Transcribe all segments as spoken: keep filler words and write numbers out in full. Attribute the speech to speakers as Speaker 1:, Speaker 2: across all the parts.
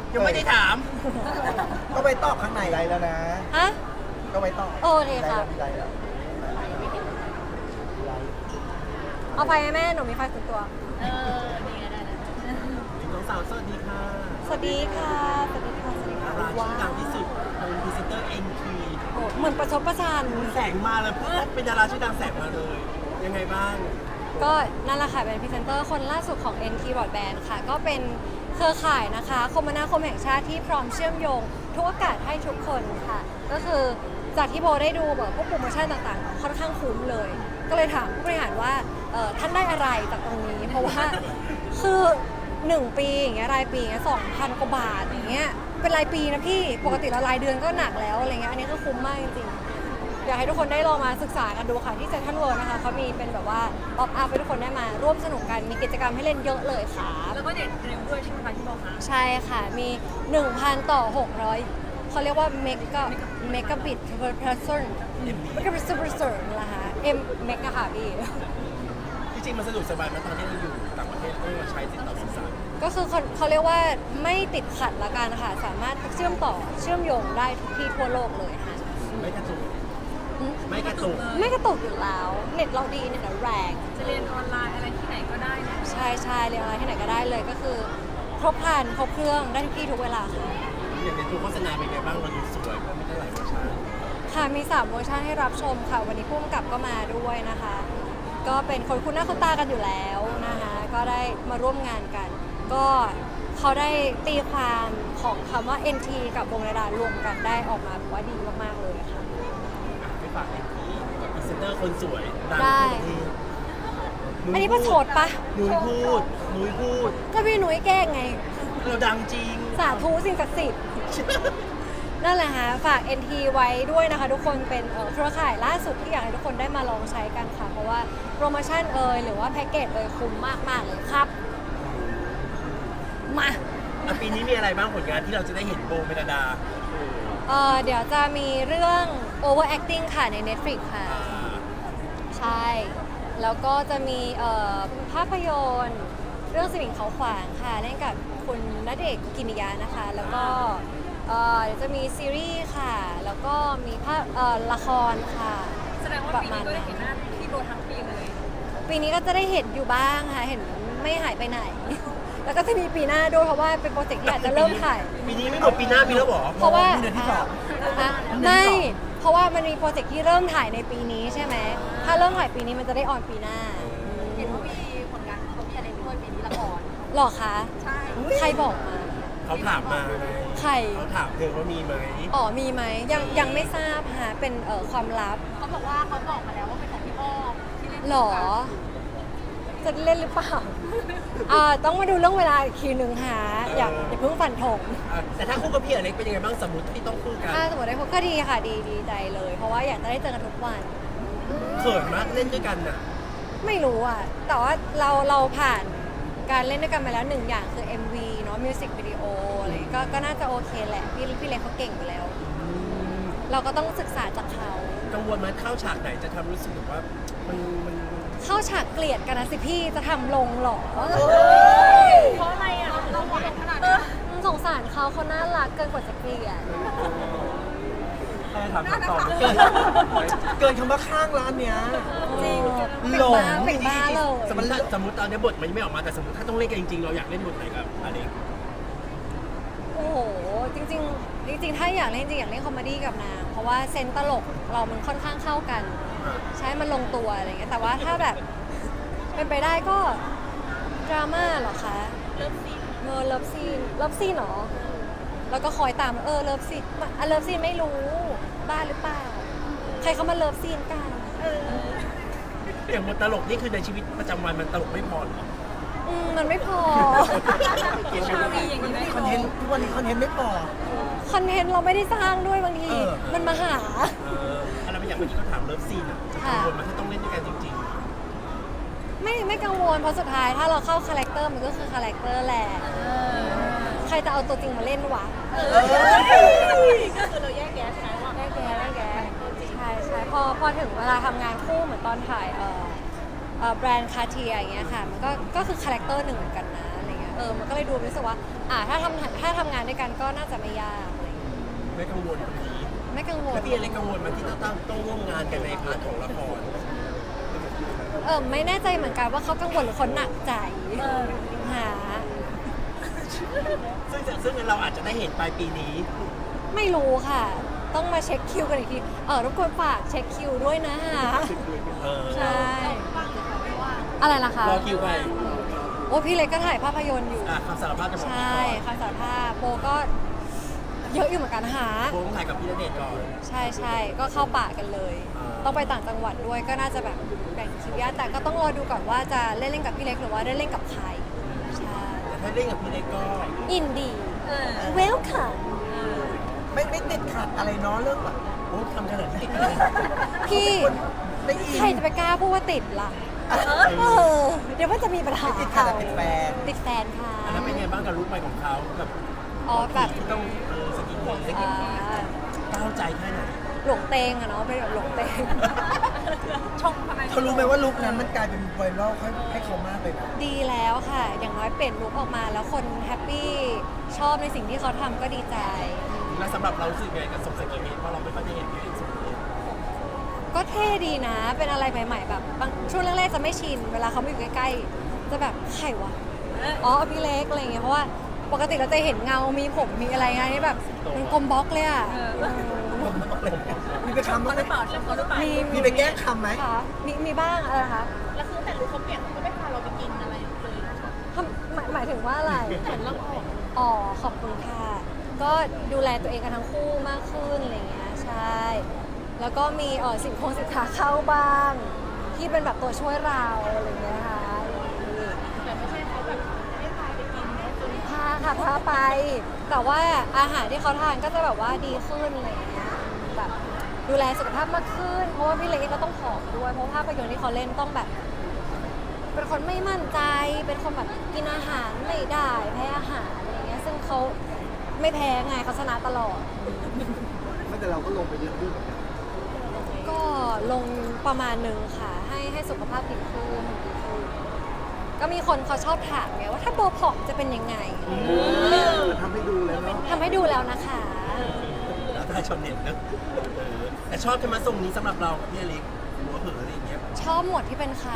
Speaker 1: ยังไม่ได้ถาม
Speaker 2: ก็ไปตอบข้างในไรแล้วนะ
Speaker 3: ฮะ
Speaker 2: ก็ไปตอบ
Speaker 3: โอเคค่ะ
Speaker 2: ไรแล้ว
Speaker 3: เอาไฟให้แม่หนูมีไฟส่วนตัว
Speaker 4: เออนี่ไงได้แล้ว
Speaker 1: น้องสาวสวัสดีค่ะ
Speaker 3: สวัสดีค่ะสวัสดีค่ะสวัสดี
Speaker 1: ดา
Speaker 3: ค่ะ
Speaker 1: ราชื่อดังที่สุดเป็นพรีเซนเตอร์เอ็นที
Speaker 3: โอ้เหมือนประชดประชัน
Speaker 1: แสงมาเลยปุ๊บเป็นดาราชื่อดังแสงมาเลย ยังไงบ้าง
Speaker 3: ก็นั่นแหละค่ะเป็นพรีเซนเตอร์คนล่าสุดของ เอ็น ที Broadband ค่ะ ก็เป็นเครือข่ายนะคะคมนาคมแห่งชาติที่พร้อมเชื่อมโยงทุกโอกาสให้ทุกคนค่ะ ก็คือจากที่โบได้ดูแบบพวกโปรโมชั่นต่างๆ ค่อนข้างคุ้มเลย ก็เลยถามผู้บริหารว่าเอ่อท่านได้อะไรจากตรงนี้ เพราะว่าคือหนึ่งปีอย่างเงี้ยรายปีอย่างเงี้ยสองพันกว่าบาทอย่างเงี้ยเป็นรายปีนะพี่ปกติเรารายเดือนก็หนักแล้วอะไรเงี้ยอันนี้ก็คุ้มมากจริงๆอยากให้ทุกคนได้ลองมาศึกษากันดูค่ะที่เซ็นทรัลเวิลด์นะคะเขามีเป็นแบบว่าป๊อปอัพให้ทุกคนได้มาร่วมสนุกกันมีกิจกรรมให้เล่นเยอะเลยค่ะ
Speaker 4: แล้วก็เด็ดเร็วด้วยใช่ไหมคะที่บอกคะ
Speaker 3: ใช่ค่ะ มี หนึ่งพัน ต่อ หกร้อย เขาเรียกว่าเมกะเมกะบิต per person เมกะบิต per person นะคะ M เมกะค่ะพี่
Speaker 1: จริงๆมันสะดวกสบายไหมาตอนที่เราอยู่ต่างประเทศไม่ว่าใช้ติดต่อสื่อสาร
Speaker 3: ก็คือเขาเขาเรียกว่าไม่ติดขัดละกันค่ะ สามารถเชื่อมต่อเชื่อมโยงได้ทุกที่ทั่วโลกเลยค่ะ
Speaker 1: ไม่กระตุก
Speaker 3: อืม
Speaker 1: ไม่กระตุก
Speaker 3: ไม่กระตุกอยู่แล้ว เน็ตเราดีเน็ตเราแรง
Speaker 4: จะเรียนออนไลน์อะไรที่ไหนก็ได้เนี่ย
Speaker 3: ใช่ใช่เรียนอะไรที่ไหนก็ได้เลยก็คือ ครบครันครบเครื่องได้ทุกที่ทุกเวลาค่ะ
Speaker 1: อย่างในตัวโฆษณาเป็นไงบ้างเราดูสวยเพราะไม่ได้หลายเวอร์ชัน
Speaker 3: ค่ะมีสามเวอร์ชันให้รับชมค่ะ วันนี้ผู้กำกับก็มาด้วยนะคะ ก็เป็นคนคุ้นหน้าคุ้นตากันอยู่แล้วนะคะ ก็ได้มาร่วมงานกัน ก็เขาได้ตีความของคำว่า เอ็น ที กับวงระดารวมกันได้ออกมาแบบว่าดีมากๆเลยค่ะ
Speaker 1: ไม่ฝากเอ็นทีกับพรีเซนเตอร์คนสวยดัง
Speaker 3: ได้
Speaker 1: ทั่วประเทศ
Speaker 3: อันนี้ประชดปะ
Speaker 1: นุ้ยพูดนุ้ยพูด
Speaker 3: ก็พี่หนุ่ยแกล้งไง
Speaker 1: เราดังจริง
Speaker 3: สาธุสิ่งศักดิ์สิทธิ์ นั่นแหละฮะฝาก เอ็น ที ไว้ด้วยนะคะ ทุกคนเป็นเอ่อเครือข่ายล่าสุดที่อยากให้ทุกคนได้มาลองใช้กันค่ะ เพราะว่าโปรโมชั่นเอ่ยหรือว่าแพ็กเกจเอ่ยคุ้มมากๆเลยครับ มา
Speaker 1: อ่ะปีนี้มีอะไรบ้างผลงานที่เราจะได้เห็นโบเมลดา
Speaker 3: เอ่อเดี๋ยวจะมีเรื่อง overacting ค่ะใน Netflix ค่ะ
Speaker 1: อ่า
Speaker 3: ใช่ แล้วก็จะมีเอ่อภาพยนตร์เรื่องสมิงเขาขวางค่ะ เล่นกับคุณณเดชน์คุกิมิยะนะคะ แล้วก็เอ่อเดี๋ยวจะมีซีรีส์ค่ะ แล้วก็มีภาพเอ่อละครค่ะ
Speaker 4: แสดงว่าปีนี้ก็ได้เห็นหน้าพี่โบทั้งปีเลย
Speaker 3: ปีนี้ก็จะได้เห็นอยู่บ้างค่ะ เห็นไม่หายไปไหน แล้วก็จะมีปีหน้าด้วยเพราะว่าเป็นโปรเจกต์ที่อาจจะเริ่มถ่าย
Speaker 1: ปีนี้ไม่หมดปีหน้ามีแล้วเหรอ
Speaker 3: เพราะว่า
Speaker 2: เดือนที่สอง
Speaker 3: อ่ะไม่ เพราะว่ามันมีโปรเจกต์ที่เริ่มถ่ายในปีนี้ใช่ไหม ถ้าเริ่มถ่ายปีนี้มันจะได้ออนปีหน้า
Speaker 4: เห็นว่ามีผลงานเขามีอะไรด้วยปีนี้ละคร
Speaker 3: หรอคะ
Speaker 4: ใช่
Speaker 3: ใครบอกมา
Speaker 1: เขาถามมาไง
Speaker 3: ใคร
Speaker 1: เขาถามเธอว่ามีไหม
Speaker 3: อ๋อมีไหมยังยังไม่ทราบฮะเป็นเอ่อความลับ
Speaker 4: เขาบอกว่าเขาบอกมาแล้วว่าเป็นของพี่อ้อมที่เล่น
Speaker 3: หรอ จะเล่นหรือเปล่า อ่าต้องมาดูเรื่องเวลาอีกทีหนึ่งฮะอย่าอย่าเพิ่งฟันธง
Speaker 1: อ่ะแต่ถ้าคู่กับพี่อเล็กเป็นยังไงบ้างสมมติที่ต้องคู่กัน
Speaker 3: ถ้าสมมติได้พบก็ดีค่ะดีดีใจเลย เพราะว่าอยากจะได้เจอกันทุกวัน
Speaker 1: เขินมากเล่นด้วยกันน่ะ
Speaker 3: ไม่รู้อ่ะ แต่ว่าเราเราผ่านการเล่นด้วยกันมาแล้วหนึ่งอย่างคือ เอ็ม วี เนาะมิวสิกวิดีโออะไรก็ก็น่าจะโอเคแหละ พี่พี่เล็กเขาเก่งอยู่แล้ว เราก็ต้องศึกษาจากเขา
Speaker 1: กังวลไหมเข้าฉากไหนจะทำรู้สึกแบบว่ามันมัน
Speaker 3: เข้าฉากเกลียดกันนะสิพี่จะทำลงเหรอ
Speaker 4: เพราะอะไรอ่ะเราหวานขนาดนี้
Speaker 3: สงสารเขาเขาน่ารักเกินกว่าจะเกลียด
Speaker 1: ใครถามถามต่อ
Speaker 2: เกินเกินคำว่าข้างร้านเนี้ย
Speaker 3: จริง
Speaker 2: หลง
Speaker 3: เป็นบ้าเลย
Speaker 1: สมมติถ้าสมมติตอนนี้บทมันยังไม่ออกมาแต่สมมติถ้าต้องเล่นกันจริงๆเราอยากเล่นบทไหนกับอเล็ก
Speaker 3: โอ้โห จริงๆ จริงๆ ถ้าอยากเล่นจริงอยากเล่นคอมเมดี้กับนาง เพราะว่าเซนส์ตลกเรามันค่อนข้างเข้ากัน ใช้มันลงตัวอะไรเงี้ย แต่ว่าถ้าแบบเป็นไปได้ก็ดราม่าเหรอคะ
Speaker 4: เริ่มซี
Speaker 3: เออเลิฟซีน เลิฟซีนเหรอ แล้วก็คอยตามเออเลิฟซีนมาอ่ะเลิฟซีนไม่รู้ บ้าหรือเปล่า ใครเขามาเลิฟซีนกัน
Speaker 1: อย่างบทตลกนี่คือในชีวิตประจำวันมันตลกไม่พอเหรอ
Speaker 3: อืมมันไม่พอ
Speaker 4: ชาวีอย่างนี้ได้
Speaker 2: คอนเทนต์ทุกวันนี้คอนเทนต์ไม่พอ
Speaker 3: คอนเทนต์เราไม่ได้สร้างด้วยบางที
Speaker 2: เออ
Speaker 3: มันมาหา
Speaker 1: เอออะไรบางอย่างเมื่อกี้เขาถามเลิฟซีนอ่ะจะกังวลมันถ้าต้องเล่นด้วยกันจริง
Speaker 3: ไม่ไม่กังวลเพราะสุดท้ายถ้าเราเข้าคาแรคเตอร์มันก็คือคาแรคเตอร์แหละ ใครจะเอาตัวจริงมาเล่นวะ
Speaker 4: ก็คือเราแยกแยะใช่ไหมว่า
Speaker 3: ได้แกได้แกใช่ใช่พอพอถึงเวลาทำงานคู่เหมือนตอนถ่ายเอ่อเอ่อแบรนด์คาเทียอย่างเงี้ยค่ะมันก็ก็คือคาแรคเตอร์หนึ่งเหมือนกันนะอะไรเงี้ยเอออมันก็เลยดูรู้สึกว่าอ่าถ้าทำถ้าทำงานด้วยกันก็น่าจะไม่ยากอะไรอย่างเงี้ย
Speaker 1: ไม่กังวลตรงนี้
Speaker 3: ไม่กังวล
Speaker 1: แล้วพี่อะไรกังวลมันที่ต้องต้องต้องร่วมงานกันในพาร์ทของละคร
Speaker 3: เออไม่แน่ใจเหมือนกันว่าเขากังวลหรือเขาหนักใจหา
Speaker 1: ซึ่งซึ่งเราอาจจะได้เห็นปลายปีนี้
Speaker 3: ไม่รู้ค่ะ ต้องมาเช็คคิวกันอีกทีเออรบกวนฝากเช็คคิวด้วยนะฮะ
Speaker 1: เออ
Speaker 3: ใช่อะไรล่ะคะ
Speaker 1: รอคิวไป
Speaker 3: โอ้พี่เล็กก็ถ่ายภาพยนตร์อยู่
Speaker 1: อ่ะคำสารภาพจะบอก
Speaker 3: ใช
Speaker 1: พี่
Speaker 3: ่
Speaker 1: ก่อน
Speaker 3: คำสารภาพโบก็เยอะอยู่เหมือนกันหา
Speaker 1: โบต้องถ่ายกับพี่ณเดชน์ก่อน
Speaker 3: ใช่ใช่ก็เข้าป่ากันเลย
Speaker 1: อ่า
Speaker 3: ต้องไปต่างจังหวัดด้วยก็น่าจะแบบแบ่งคิวยากแต่ก็ต้องรอดูก่อนว่าจะเล่นเล่นกับพี่เล็กหรือว่าได้เล่นกับใครใช่
Speaker 1: แต่ถ้าเล่นกับพี่เล็กก็
Speaker 3: อินดีเวลคัม
Speaker 2: ไม่ไม่ติดขัดอะไรเนาะเรื่องแบบ
Speaker 1: โอ้ทำขนาดนี้
Speaker 3: พี่
Speaker 2: ได้อิน
Speaker 3: ใครจะไปกล้าพูดว่าติดล่ะเออเดี๋ยวว่าจะมีปัญหา
Speaker 2: ติดขัดแต่ติดแฟน
Speaker 3: ติดแฟนค่ะ
Speaker 1: อันนั้นเป็นไงบ้างกับลุคใหม่ของเขาแบบ
Speaker 3: อ๋อแบบ
Speaker 1: ที่ต้องเออสกินเฮดเล็ก
Speaker 3: อ่า
Speaker 1: ก้าวใจแค่ไหน
Speaker 3: หลงเตงอะเนาะเป็นแบบหลงเตง
Speaker 4: ชงทำไม
Speaker 2: เขารู้ไหมว่าลุคนั้นมันกลายเป็นไวรัลให้ให้เขามากเลยนะ
Speaker 3: ดีแล้วค่ะ อย่างน้อยเปลี่ยนลุคออกมาแล้วคนแฮปปี้ชอบในสิ่งที่เขาทำก็ดีใจ
Speaker 1: แล้วสำหรับเรารู้สึกไงกับส่งสกินเฮดเพราะเราไม่ค่อยได้เห็นพี่เล็กส่งเลย
Speaker 3: ก็เท่ดีนะ เป็นอะไรใหม่ๆแบบบางช่วงแรกๆจะไม่ชิน เวลาเขามาอยู่ใกล้ๆ จะแบบใครวะ อ๋อพี่เล็กอะไรอย่างเงี้ย เพราะว่าปกติเราจะเห็นเงา มีผม มีอะไรไงนี่แบบมันกลมบล็อกเลยอะ
Speaker 2: มีไปคำบ้างไหม
Speaker 4: เปล่าเรื่องเขาหรือเปล่า
Speaker 3: มี
Speaker 2: มีไปแก้คำไหม
Speaker 3: ค่ะมีมีบ้างอะไรนะคะ
Speaker 4: แล้วคือแต่รู้เขาเปลี่ยนเขาก็ไม่พาเราไปกินอะไรเลย
Speaker 3: ทำหมายหมายถึงว่าอะไร
Speaker 4: เหมือนเราออก
Speaker 3: อ๋อ ขอบคุณค่ะ ก็ดูแลตัวเองกันทั้งคู่มากขึ้นอะไรอย่างเงี้ย ใช่ แล้วก็มีเออสิ่งของสินค้าเข้าบ้าง ที่เป็นแบบตัวช่วยเราอะไรอย่างเงี้ยค่ะ
Speaker 4: แต่ไม่ใช่เขาแบบไม่พาไปกินนะจน
Speaker 3: พาค่ะพาไป แต่ว่าอาหารที่เขาทานก็จะแบบว่าดีขึ้นอะไรอย่างเงี้ยแบบดูแลสุขภาพมากขึ้น เพราะว่าพี่เล็กก็ต้องผอมด้วย เพราะภาพยนตร์ที่เขาเล่นต้องแบบ เป็นคนไม่มั่นใจ เป็นคนแบบกินอาหารไม่ได้แพ้อาหารอะไรเงี้ย ซึ่งเขาไม่แพ้ไงเขาชนะตลอด
Speaker 2: ไม่แต่เราก็ลงไปเยอะขึ้น
Speaker 3: ก็ลงประมาณหนึ่งค่ะ ให้ให้สุขภาพดีขึ้นดีขึ้นก็มีคนเขาชอบถามไงว่าถ้าโบผอมจะเป็นยังไง
Speaker 2: ทำให้ดูเลยเนาะ
Speaker 3: ทำให้ดูแล้วนะคะ
Speaker 1: แล้วถ้าชาวเน็ตนะเออแต่ชอบใช่ไหมทรงนี้สำหรับเรากับพี่อเล็กหัวเผลออะไรอย่างเงี้ย
Speaker 3: ชอบหมวดที่เป็นเขา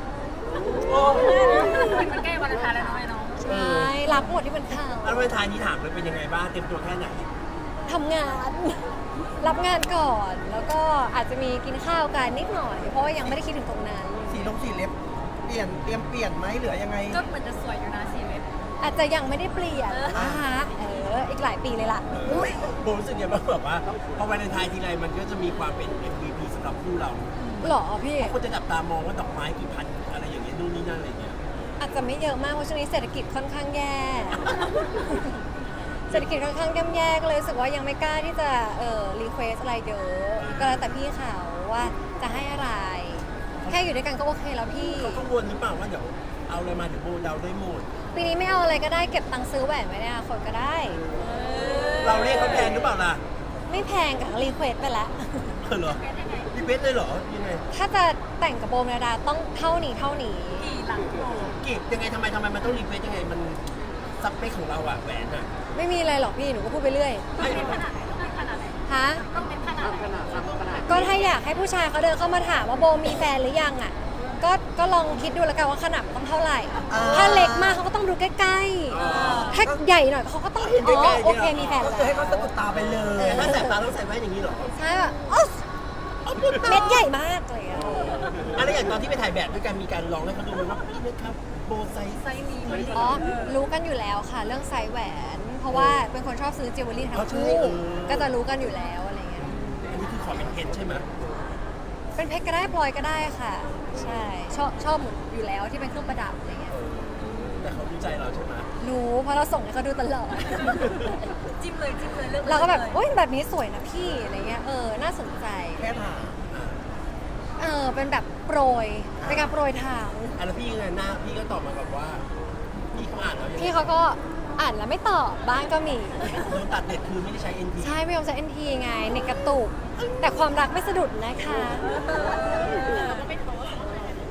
Speaker 4: มันใกล้วันอังคารแล้วน้อยน้อง
Speaker 3: ใช่รักหมวดที่เป็นเขา
Speaker 1: แล้ววันทายนี้ถามเลยเป็นยังไงบ้างเตรียมตัวแค่ไหน
Speaker 3: ทำงาน รับงานก่อน แล้วก็อาจจะมีกินข้าวกันนิดหน่อย เพราะว่ายังไม่ได้คิดถึงตรงนั้น
Speaker 2: สีลงสีเล็บ เปลี่ยนเตรียมเปลี่ยนไหมหรือยังไง
Speaker 4: ก็เหมือนจะสวยอยู่นะสีเล็บ
Speaker 3: อาจจะยังไม่ได้เปลี่ยนนะคะเอออีกหลายปีเลยล่ะ
Speaker 1: โบรู้สึกยังไงบ้างแบบว่าพอวันทายทีไรมันก็จะมีความเป็น เอ็ม วี พี สำหรับคู่เรา
Speaker 3: หรอพี่
Speaker 1: คนจะจับตามองว่าดอกไม้กี่พันอะไรอย่างเงี้ยนู่นนี่นั่นอะไรอย่างเงี้ย
Speaker 3: อาจจะไม่เยอะมากเพราะช่วงนี้เศรษฐกิจค่อนข้างแย่ เศรษฐกิจค่อนข้างย่ำแย่ก็เลยรู้สึกว่ายังไม่กล้าที่จะเอ่อรีเควสอะไรเยอะ ก็แล้วแต่พี่เขาว่าจะให้อะไร แค่อยู่ด้วยกันก็โอเคแล้วพี่
Speaker 1: เขากังวลหรือเปล่าว่าเดี๋ยวเอาอะไรมาเดี๋ยวโบเดาได้หมด
Speaker 3: ปีนี้ไม่เอาอะไรก็ได้เก็บตังค์ซื้อแหวนไว้ในอนาคตก็ได้
Speaker 1: เราเรียกเขาแพงหรือเปล่าล่ะ
Speaker 3: ไม่แพงกับรีเควสไปแล้ว
Speaker 1: เออเหรอรีเวทเลยเหรอยังไง
Speaker 3: ถ้าจะแต่งกับโบเมลดาต้องเท่านี้เท่านี้
Speaker 4: กี่หลังโต
Speaker 1: กีบยังไงทำไมทำไมมันต้องรีเวทยังไงมันซับเปคของเราอะแหวนอะ
Speaker 3: ไม่มีอะไรหรอกพี่หนูก็พูดไปเรื่อย
Speaker 4: ต้องเป็นขนาดไหนต้องเป็นขนาดไหน
Speaker 3: ฮะ
Speaker 4: ต้องเป็นขนาดไหน
Speaker 3: ก็ถ้าอยากให้ผู้ชายเขาเดินเข้ามาถามว่าโบมีแฟนหรือยังอ่ะ ก็ก็ลองคิดดูแล้วกันว่าขนาดมันต้องเท่าไหร่
Speaker 2: อ่า
Speaker 3: ถ้าเล็กมากเขาก็ต้องดูใกล้ๆ ถ้าใหญ่หน่อยเขาก็ต้องอ๋อโอเคมีแฟน
Speaker 2: ก็
Speaker 3: แล้
Speaker 2: คือให้
Speaker 3: ว
Speaker 2: เขาสะดุดตาไปเลย
Speaker 1: แต่ถ้าแสบตาต้องใส่แว่นอย่างนี้เหรอ
Speaker 3: ใช่แบบอ๊อสเม็ดใหญ่มากเลยอะ
Speaker 1: อะไรอย่างตอนที่ไปถ่ายแบบด้วยกันมีการลองให้เขาดูไหมว่าพี่นะครับโบไซส์
Speaker 4: ไซส์นี้มัน
Speaker 3: อ๋อรู้กันอยู่แล้วค่ะ เรื่องไซส์แหวน เพราะว่าเป็นคนชอบซื้อจิวเวลรี่ทั้งคู่ก็จะรู้กันอยู่แล้วอะไรเงี้ย
Speaker 1: อันนี้คือขอเป็นเพชรใช่ไหม
Speaker 3: เป็นเพชรก็ได้พลอยก็ได้ค่ะ ใช่ชอบชอบหมดอยู่แล้วที่เป็นเครื่องประดับอะไรเงี้ย
Speaker 1: แต่เขารู้ใจเราใช่ไหม
Speaker 3: รู้เพราะเราส่งให้เขาดูตลอด
Speaker 4: จิ้มเลยจิ้มเลยเลือก
Speaker 3: เราก็แบบโอ๊ยแบบนี้สวยนะพี่อะไรเงี้ยเออน่าสนใจ
Speaker 2: แค่ถาม
Speaker 3: เออเป็นแบบโปรยเป็นการโปรยทาง
Speaker 1: อ่ะแล้วพี่ยังไงหน้าพี่ก็ตอบมาแบบว่าพี่เขาอ่านแล้วยังไง
Speaker 3: พี่เขาก็อ่านแล้วไม่ตอบบ้างก็มี
Speaker 1: โดนตัดเน็ตคือไม่ได้ใช้ เอ็น พี
Speaker 3: ใช่ไม่ยอมใช้ เอ็น ที ไงเน็ตกระตุก แต่ความรักไม่สะดุดนะคะ
Speaker 4: เราก็ไม่ท้อ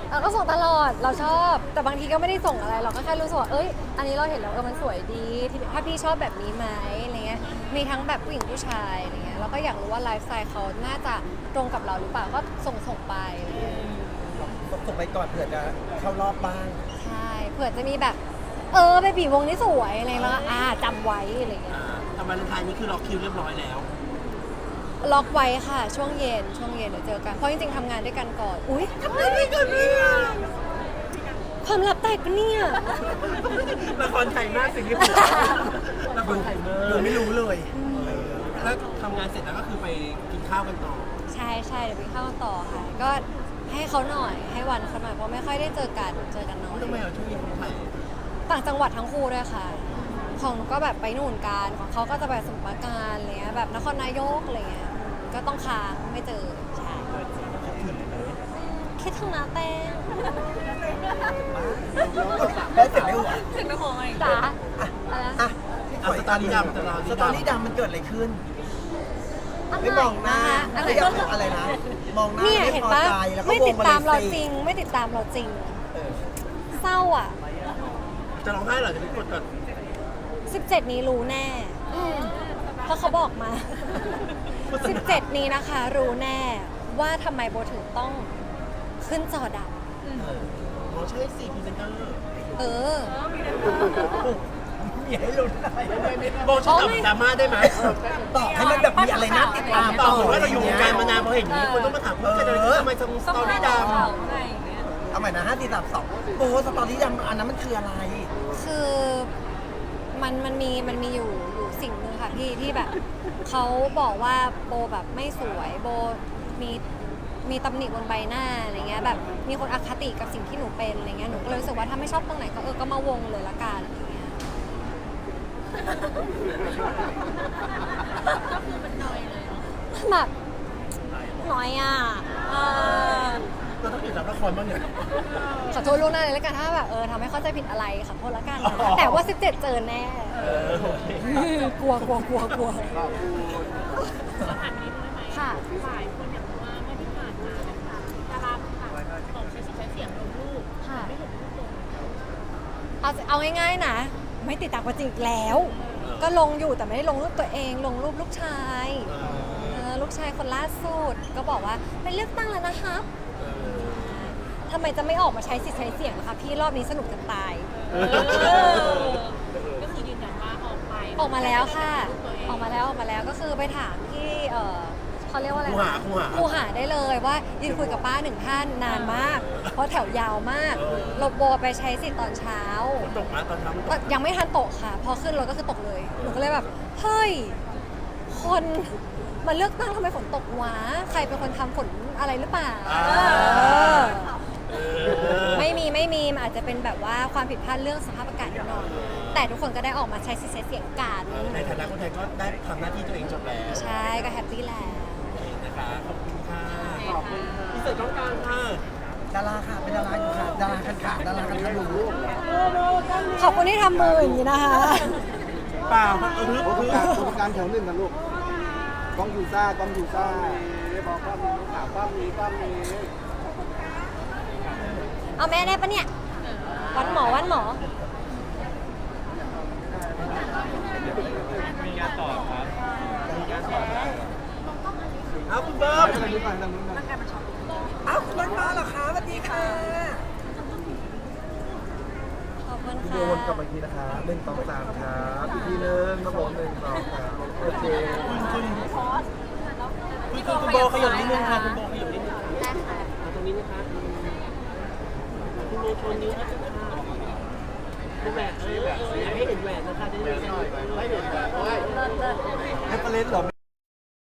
Speaker 3: เราก็ส่งตลอดเราชอบแต่บางทีก็ไม่ได้ส่งอะไรเราก็แค่รู้สึกว่าเอ้ยอันนี้เราเห็นแล้วเออมันสวยดีที่ถ้าพี่ชอบแบบนี้ไหมอะไรเงี้ยมีทั้งแบบผู้หญิงผู้ชายอะไรเงี้ยเราก็อยากรู้ว่าไลฟ์สไตล์เขาน่าจะตรงกับเราหรือเปล่าก็ส่งส่งไปอะไรเงี้ย
Speaker 2: ส่งไปก่อนเผื่อจะเข้ารอบบ้าง
Speaker 3: ใช่เผื่อจะมีแบบเออเบบีวงนี้สวยอะไรแล้วก็อ่าจำไว้อะไรเงี้ย
Speaker 1: อ่าแต่วันไทายนี้คือล็อกคิวเรียบร้อยแล้ว
Speaker 3: ล็อกไว้ค่ะ ช่วงเย็นช่วงเย็นเดี๋ยวเจอกันเพราะจริงๆทำงานด้วยกันก่อนอุ้ยทำงานด้วยกันเนี่ยความลับแตกปะเนี่ย
Speaker 1: ละครไทยมากสิ่งที่ผมละครไทยมาก
Speaker 2: ดูไม่รู้เลย
Speaker 1: แล้วทำงานเสร็จแล้วก็คือไปกินข้าวกันต่อ
Speaker 3: ใช่ใช่เดี๋ยวไปเข้าต่อค่ะ ก็ให้เขาหน่อยให้วันเขาหน่อยเพราะไม่ค่อยได้เจอกันเจอกันน้อย
Speaker 1: ทำไมเอาช่วงนี้คนไทย
Speaker 3: ต่างจังหวัดทั้งคู่ด้วยค่ะ ของหนูก็แบบไปนู่นกันของเขาก็จะไปสมุทรปราการอะไรเงี้ยแบบนครนายกอะไรเงี้ยก็ต้องค้างไม่เจอใช่คิดถึงนะแต้ง
Speaker 2: แล้วเสร็จแล้วเหรอ
Speaker 4: ถึงไปของอะไร
Speaker 3: จ๋าอะไรนะ
Speaker 2: อ่ะ
Speaker 1: เอาสตอรี่ดำสตอรี่
Speaker 2: ส
Speaker 1: ดำ
Speaker 2: ตอรี่ดำมันเกิดอะไรขึ้น
Speaker 3: อะไร
Speaker 2: ไม่มองหน้า
Speaker 3: อะไร
Speaker 2: ไม่อยากอะไรนะ มองหน้า
Speaker 3: เนี่ย
Speaker 2: ไม่
Speaker 3: เห็น
Speaker 2: พอ
Speaker 3: ปะ
Speaker 2: ใจแล้วก็
Speaker 3: ไม่
Speaker 2: ว
Speaker 3: ติ
Speaker 2: ง
Speaker 3: ด
Speaker 2: มา
Speaker 3: ตามเรา
Speaker 2: เลย
Speaker 3: จริง ไม่ติดตามเราจริง
Speaker 2: เออ
Speaker 3: เศร้าอ่ะ
Speaker 1: จะร้องไห้เหรอจะไปกดก่อน
Speaker 3: สิบเจ็ดนี้รู้แน่อืมเพราะเขาบอกมา สิบเจ็ดนี้นะคะ รู้แน่ว่าทำไมโบถึงต้องขึ้นจอดับ
Speaker 1: อ๋อใช่สี่พรีเซนเตอร์
Speaker 3: เออ
Speaker 2: อย่าให้ลุ้นอะไร
Speaker 1: โบช่วยตอบดราม่าได้ไหม
Speaker 2: ตอบให้มันแบบมีอะไรน่าติดตาม
Speaker 1: ตอบเหมือนว่าเราอยู่วงการมานานพอเห็นอย่างนี้คนต้องมาถามว่าเกิดอะไรขึ้นทำไมทำสตอรี่ดำ
Speaker 4: อะไรอย่างเงี้ย
Speaker 2: เอาใหม่นะห้าสี่สามสองโอ้สตอรี่ดำอันนั้นมันคืออะไร
Speaker 3: คือมันมันมีมันมีอยู่อยู่สิ่งหนึ่งค่ะพี่ที่แบบเขาบอกว่าโบแบบไม่สวยโบมีมีตำหนิบนใบหน้าอะไรเงี้ยแบบมีคนอคติกับสิ่งที่หนูเป็นอะไรเงี้ยหนูก็เลยรู้สึกว่าถ้าไม่ชอบตรงไหนก็เออก็มาวงเลยละกันอะไรเงี้ยแบบน้อยอ่ะเออ
Speaker 1: เราต้องติดตามละครบ้างเนี่ย
Speaker 3: ขอโทษล่วงหน้าเลยแล้วกันถ้าแบบเออทำให้เข้าใจผิดอะไรขอโทษแล้วกันนะ
Speaker 1: อ๋อ
Speaker 3: แต่ว่าสิบเจ็ดเจอแน่
Speaker 1: เออโอเค
Speaker 3: กลัวกลัวกลัวกลัวค่ะ
Speaker 4: หลายคนอยากรู้ว่าเมื่อที่ผ่านมานะคะดาราต่างๆออกใช้สิทธิ์ใช้เสียงลงรูป
Speaker 3: ค่ะ
Speaker 4: ไม่เห็นรูปลง
Speaker 3: เอาเอาง่ายๆนะ ไม่ติดตามกันจริงอีกแล้ว ก็ลงอยู่แต่ไม่ได้ลงรูปตัวเองลงรูปลูกชายเออลูกชายคนล่าสุดก็บอกว่าไปเลือกตั้งแล้วนะครับทำไมจะไม่ออกมาใช้สิทธิ์ใช้เสียงล่ะคะพี่รอบนี้สนุกจะตาย
Speaker 4: ก็คือยืนยันว่าออกไป
Speaker 3: ออกมาแล้วค่ะ ออกมาแล้วออกมาแล้วก็คือไปถามที่เออเขาเรียกว่าอะไร
Speaker 1: ครูหา
Speaker 3: นะ
Speaker 1: ครูหา
Speaker 3: ครูหาได้เลยว่ายืนคุยกับป้าหนึ่งท่านนานมาก เพราะแถวยาวมากเราโบไปใช้สิทธิ์ตอนเช้า
Speaker 1: ตกมาตอนเช้ามันต
Speaker 3: ก็
Speaker 1: ก
Speaker 3: ยังไม่ทันตกค่ะ พอขึ้นรถก็คือตกเลย หนูก็เลยแบบ เฮ้ย คนมาเลือกตั้งทำไมฝนตกวะ ใครเป็นคนทำฝนอะไรหรือเปล่าเออ
Speaker 1: เออ
Speaker 3: ไม่มีไม่มีมันอาจจะเป็นแบบว่าความผิดพลาดเรื่องสภาพอากาศนิดหน่อยแต่ทุกคนก็ได้ออกมาใช้สิทธิ์ใช้เสียงกัน
Speaker 1: ในฐานะคนไทยก็ได้ทำหน้าที่ตัวเองจบแล้ว
Speaker 3: ใช่ก็แฮปปี้แล้ว
Speaker 1: โอเคนะคะขอบคุณค่ะขอบคุณที่เสร็จต้องการค่ะ
Speaker 2: ดาราค่ะ เป็นดาราอยู่ค่ะ ดาราคันขาดาราคันขาดู
Speaker 3: ขอบคุณที่ทำมืออย่างนี้นะคะ
Speaker 1: เปล่าเออ
Speaker 5: โอ้
Speaker 1: คื
Speaker 5: ทุ
Speaker 1: อก
Speaker 5: การทุกการแถวหนึ่งกันลูกกล้องยูซ่ากล้องยูซ่าบอกกล้องนี้ลูกขากล้องนี้กล้องนี้
Speaker 3: เอาแม่ได้ปะเนี่ย วันหมอวันหมอ
Speaker 1: เอาคุณเบิ้ม
Speaker 5: อะไรนี้ก่อนทางนู้นนะ
Speaker 2: อ้าวคุณบ้านมาเหรอคะสวัสดีค่ะ
Speaker 3: ขอบคุณ
Speaker 5: วิ
Speaker 3: ค่ะ
Speaker 5: ดีโอวนกลับมาอีกทีนะคะหนึ่งสองสามครับอีกทีหนึงครับผมหนึ่งสองสามโอเค
Speaker 1: คุณคุณคุณคุณโบขยับนิดนึงค่ะคุณโบขยับนิดนึง
Speaker 3: ได้ค่ะ
Speaker 1: เอาตรงนี้นะคะคุณโบโชว์นิ้วนะดูแหวนเอออยากให้เห็นแหวนนะคะจะได้ไม่เห็น
Speaker 5: ไม่เห็นแบบเฮ้ยเรฟเฟรนซ์เหรอ